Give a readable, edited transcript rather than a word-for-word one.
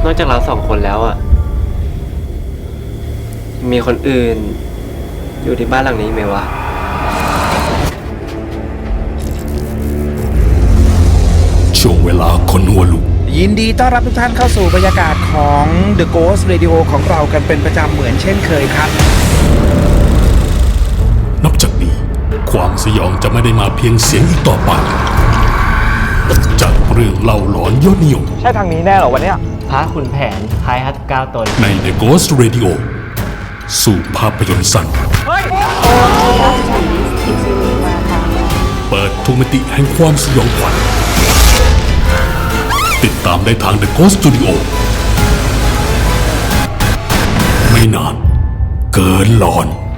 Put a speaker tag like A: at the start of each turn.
A: อกจากเราสองคนแล้วอ่ะมีคนอื่นอยู่ที่บ้านหลังนี้ไหมวะ
B: ช่วงเวลาคนหัวลุก
C: ยินดีต้อนรับทุกท่านเข้าสู่บรรยากาศของ The Ghost Radio ของเรากันเป็นประจำเหมือนเช่นเคยครับ
B: นับจากนี้ความสยองจะไม่ได้มาเพียงเสียงอีกต่อไปจากเรื่องเล่าหลอนยอดนิยม
D: ใช่ทางนี้แน่เหรอวันเนี้ย
A: พระขุนแผนคล้ายฮัต9 ตน
B: ใน The Ghost Radio สู่ภาพยนตร์สั้นเปิดทุกมิติแห่งความสยองขวัญติดตามได้ทาง The Ghost Studio ไม่นานเกินหลอน